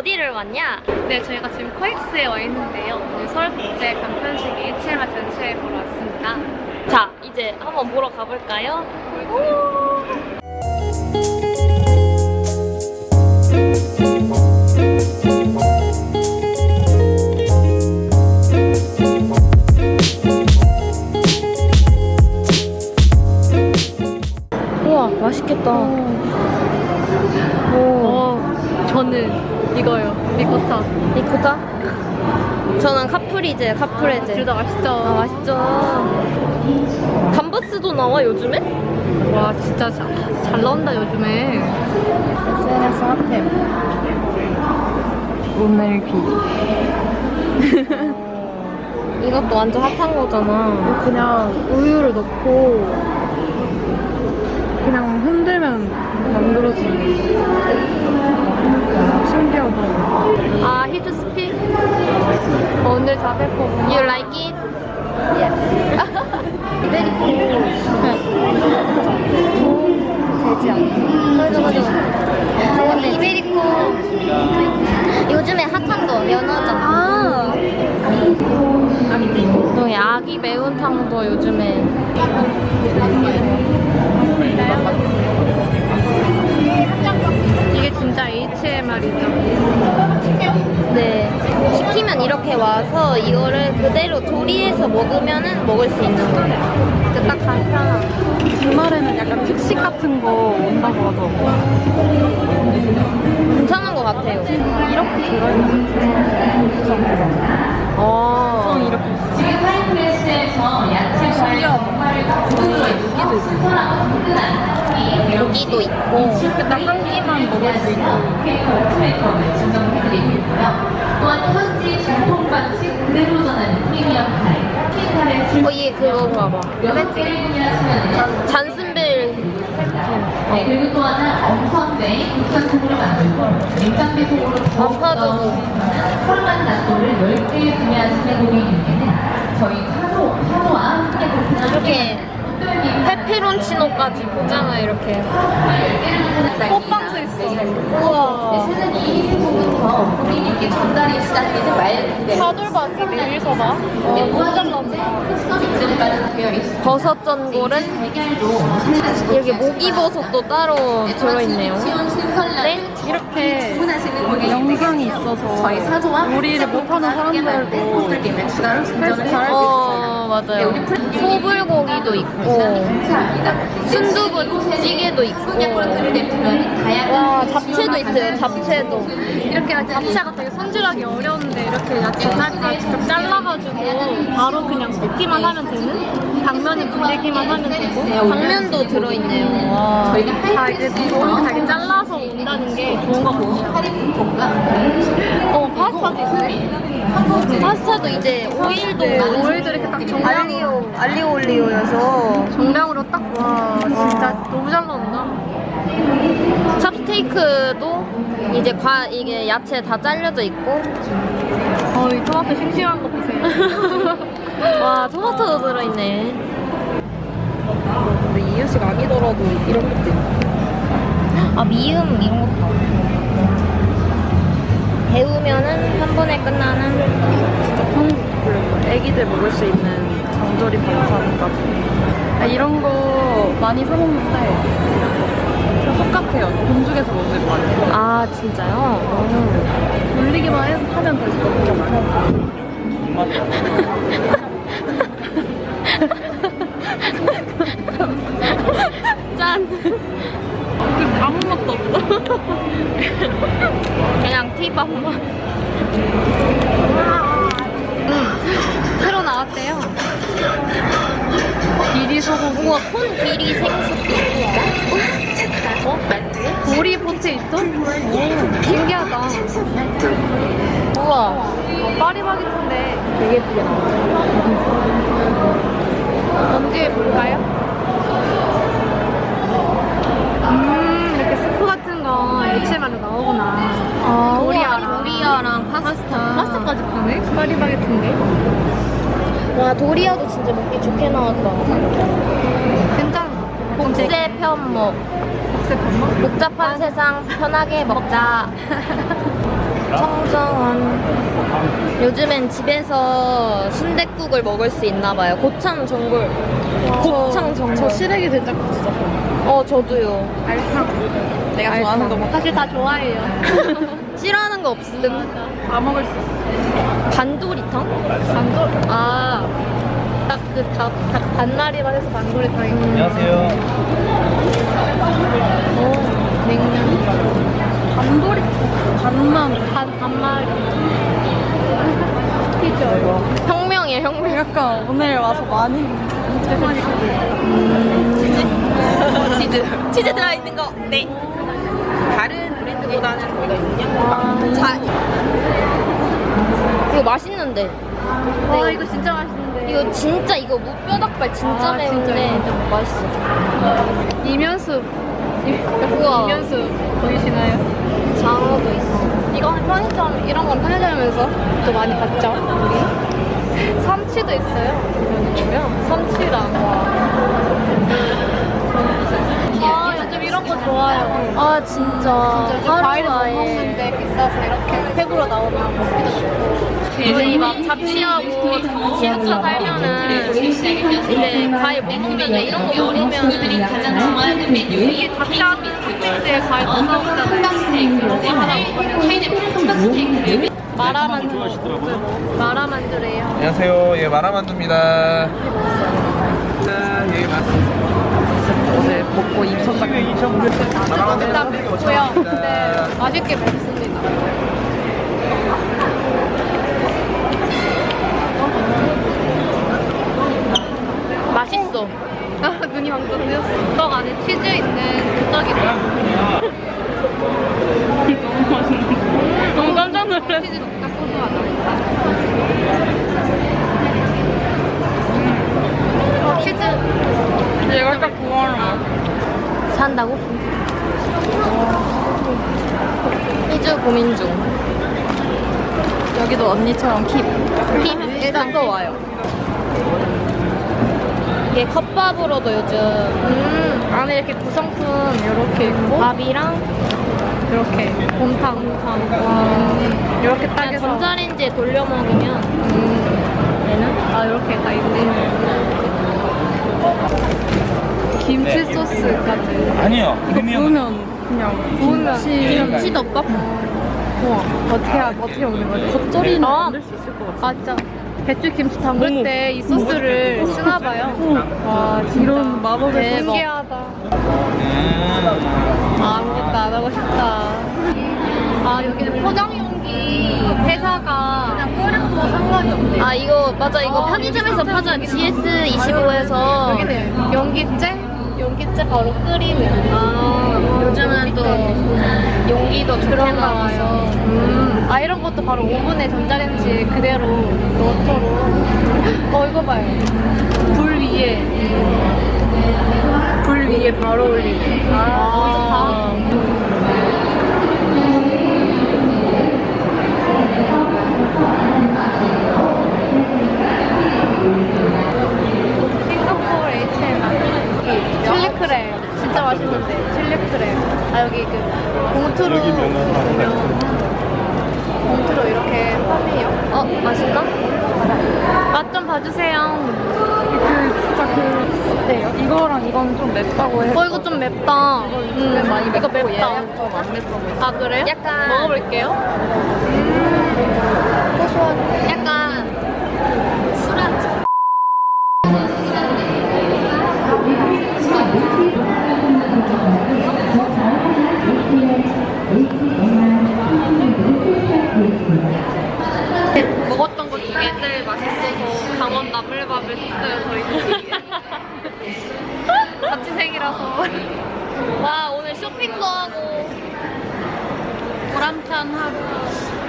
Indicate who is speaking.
Speaker 1: 어디를 왔냐?
Speaker 2: 네, 저희가 지금 코엑스에 와 있는데요. 오늘 서울국제 간편식 HMR 전시회 보러 왔습니다.
Speaker 1: 자, 이제 한번 보러 가볼까요? 우와, 맛있겠다.
Speaker 2: 저는 이거요. 리코타.
Speaker 1: 리코타? 저는 카프리제, 카프레제.
Speaker 2: 둘 다 맛있죠?
Speaker 1: 아, 맛있죠. 감바스도 나와, 요즘에?
Speaker 2: 와, 진짜 잘 나온다, 요즘에.
Speaker 1: SNS 핫템. 오늘 비. 이것도 완전 핫한 거잖아.
Speaker 2: 그냥 우유를 넣고 그냥 흔들면 만들어지는 신기하다. 아, 히트 스피? 오늘 자세 포
Speaker 1: You like it? Yes.
Speaker 2: 되지 않나?
Speaker 1: 맞아. 좋은데 이베리코. 요즘에 핫한 거 연어잖아. 또 아기 매운탕도 요즘에.
Speaker 2: 이게 진짜 HMR이죠.
Speaker 1: 네. 시키면 이렇게 와서 이거를 그대로 조리해서 먹으면은 먹을 수 있는 거예요.
Speaker 2: 딱 간편한. 주말에는 약간 특식 같은 거 온다고 하더라고요.
Speaker 1: 괜찮은 것 같아요.
Speaker 2: 이렇게 들어있는
Speaker 1: 어.
Speaker 2: 이렇게.
Speaker 1: 고기도 있고.
Speaker 2: 이렇게 딱 한 끼만 먹을 수 있고.
Speaker 3: 또한 현지 전통 방식 그대로 전하는 프리미엄 타임.
Speaker 1: 얘 그거 봐봐. 잔슨벨.
Speaker 3: 그리고 또 하나 엄선된 국산통으로 만들고 냉장배송으로
Speaker 1: 반파두부.
Speaker 3: форм한 낫또를 10개 구매하시는 고객님께는 저희 사도와 함께 보편한
Speaker 1: 이렇게 페페론치노까지 포장을 이렇게.
Speaker 2: 호빵도 있어.
Speaker 1: 우와.
Speaker 3: 이 제품부터 고객님께 전달이 시작되는 말
Speaker 2: 사돌박이 내일서봐.
Speaker 1: 버섯 전골은 이렇게 목이버섯도 따로 들어있네요. 네?
Speaker 2: 이렇게 영상이 있어서
Speaker 3: 저희 사도와
Speaker 2: 요리를 못하는 사람들도
Speaker 1: 맞아요. 소불고기도 있고 순두부찌개도 있고 와, 잡채도 있어요. 잡채도.
Speaker 2: 이렇게 잡채가 되게 손질하기 어려운데 이렇게 야채 다 직접 잘라가지고 바로 그냥 볶기만 하면 되는? 당면은 불리기만 하면 되고
Speaker 1: 당면도 들어있네요. 와.
Speaker 2: 다 이제 자기 잘라서 온다는 게 좋은 것 같아요. 파스타도 있네.
Speaker 1: 파스타도 이제 오일도
Speaker 2: 오일도 이렇게 딱
Speaker 1: 알리오 올리오여서
Speaker 2: 정량으로 딱 와 진짜 너무 잘 나온다.
Speaker 1: 찹스테이크도 이제 이게 야채 다 잘려져 있고
Speaker 2: 이 토마토 싱싱한 거 보세요.
Speaker 1: 와, 토마토도 들어있네.
Speaker 2: 근데 이유식 아니더라도 이런 것도 있네.
Speaker 1: 아, 미음 이런 것도 나와. 데우면은 한 번에 끝나는.
Speaker 2: 애기들 먹을 수 있는 장조림 반찬까지. 이런 거 많이 사 먹는데 똑같아요. 본죽에서 먹는 거 같아요.
Speaker 1: 아, 진짜요?
Speaker 2: 돌리기만 하면 될 것 같아요.
Speaker 1: 짠.
Speaker 2: 아무 맛도 없어.
Speaker 1: 그냥 팁한번.
Speaker 2: 새로 나왔대요. 비리 소고기.
Speaker 1: 우와, 콘 비리 생수도 있고.
Speaker 2: 보리 포테이토? 오, 신기하다.
Speaker 1: 우와.
Speaker 2: 파리바게트인데
Speaker 1: 되게 예쁘게 나왔죠.
Speaker 2: 언제 볼까요? 이렇게 스프 같은 거 HMR로 나오구나.
Speaker 1: 도리아랑 파스타.
Speaker 2: 파스타까지 파네? 파리바게트인데.
Speaker 1: 와, 도리아도 진짜 먹기 좋게 나왔다.
Speaker 2: 괜찮아.
Speaker 1: 복세 편목. 복잡한 세상 편하게 먹자. 청정원. 요즘엔 집에서 순댓국을 먹을 수 있나 봐요. 고창 전골. 고창 전골.
Speaker 2: 저 시래기 된장국 진짜 좋아해요.
Speaker 1: 저도요.
Speaker 2: 알탕. 내가 좋아하는 거 먹.
Speaker 3: 사실 다 좋아해요.
Speaker 1: 싫어하는 거 없음.
Speaker 2: 다 먹을 수 있어.
Speaker 1: 반도리탕?
Speaker 3: 딱 그 반마리만 해서 반도리탕이.
Speaker 4: 안녕하세요.
Speaker 1: 냉면.
Speaker 2: 반돌이 반만
Speaker 3: 반마리.
Speaker 1: 혁명이에요, 혁명.
Speaker 2: 약간 오늘 와서 많이
Speaker 1: 치즈 들어있는 거. 네.
Speaker 2: 다른 브랜드보다는 저희가
Speaker 1: 이거 맛있는데.
Speaker 3: 와 이거 진짜 맛있는데.
Speaker 1: 이거 진짜 이거 무뼈닭발 진짜 매운데 맛있어.
Speaker 3: 이면수.
Speaker 1: 우와.
Speaker 3: 이면수 보이시나요?
Speaker 1: 장어도 있어.
Speaker 3: 이거 편의점 이런 건 편의점에서 또 많이 봤죠? 우리 삼치도 있어요. 삼치랑 요즘 이런 거 좋아요.
Speaker 1: 진짜.
Speaker 3: 요즘 과일을 못 먹는데 비싸서 이렇게 팩으로 나오면 먹기도 좋고.
Speaker 1: 이제 막 잡취하고 기숙사 살면은 이제 과일 못 먹는데 이런 거 먹으면
Speaker 3: 이게 잡채하고 학생들 과일 못 먹잖아요. 이거 하나 먹으면 마라만두래요.
Speaker 4: 안녕하세요. 예, 마라만두입니다. 예, 맞습니다.
Speaker 2: 어제 먹고 입혔다.
Speaker 4: 마라만두
Speaker 3: 일단 맵고요. 근데 맛있게 먹습니다.
Speaker 1: 맛있어.
Speaker 3: 눈이 완전 뜨였어. 떡 안에 치즈 있는 그 떡이
Speaker 2: 너무 깜짝 놀랐어.
Speaker 3: 치즈 진짜 고소하다. 치즈.
Speaker 2: 얘가 딱 좋아하는
Speaker 1: 산다고? 희주 고민 중.
Speaker 2: 여기도 언니처럼 킵 일단 또 와요.
Speaker 1: 이게 컵밥으로도 요즘
Speaker 3: 안에 이렇게 구성품 이렇게 있고
Speaker 1: 밥이랑
Speaker 3: 이렇게 곰탕. 이렇게 딱
Speaker 1: 그냥
Speaker 3: 해서
Speaker 1: 전자레인지에 돌려 먹으면 얘는
Speaker 3: 이렇게 다 있네. 김치 소스까지.
Speaker 4: 아니요.
Speaker 2: 이거 부으면 그냥
Speaker 3: 구우면
Speaker 1: 김치덮밥?
Speaker 3: 어떻게 먹는 거지?
Speaker 2: 겉절이는 만들 수 있을 것 같아.
Speaker 3: 맞죠. 배추김치 담글 때 이 소스를 쓰나 봐요. 와 진짜
Speaker 2: 이런 마법의
Speaker 3: 대박. 신기하다. 아무것도 안 하고 싶다. 여기는 포장용기 회사가 그냥 끓여도 상관이 없네.
Speaker 1: 이거 맞아 이거 편의점에서 파잖아. GS25에서
Speaker 3: 여기는 용기째 바로 끓이는.
Speaker 1: 요즘은 또 용기도 좋게 나와서
Speaker 3: 이런 것도 바로 오븐에 전자레인지 그대로 넣도록. 이거 봐요. 불 위에 바로 올리고. 너무 좋다. 싱가포르 H&M 칠리크랩 진짜 맛있는데 칠리크랩 여기 그 봉투로 이렇게 파네요.
Speaker 1: 맛있나? 맛 좀 봐주세요.
Speaker 2: 네, 이거랑 이건 좀 맵다고 해서
Speaker 1: 이거 좀 맵다.
Speaker 2: 많이
Speaker 1: 이거 맵다.
Speaker 2: 얘는 좀안 맵다고
Speaker 3: 그래요?
Speaker 1: 약간
Speaker 3: 먹어볼게요.
Speaker 1: 고소한 약간 술안주.
Speaker 3: 먹었던 것 중에 제일 맛있어서 강원 나물밥을 샀어요 저희. 자취생이라서.
Speaker 1: 와 오늘 쇼핑도 하고
Speaker 3: 보람찬 하루.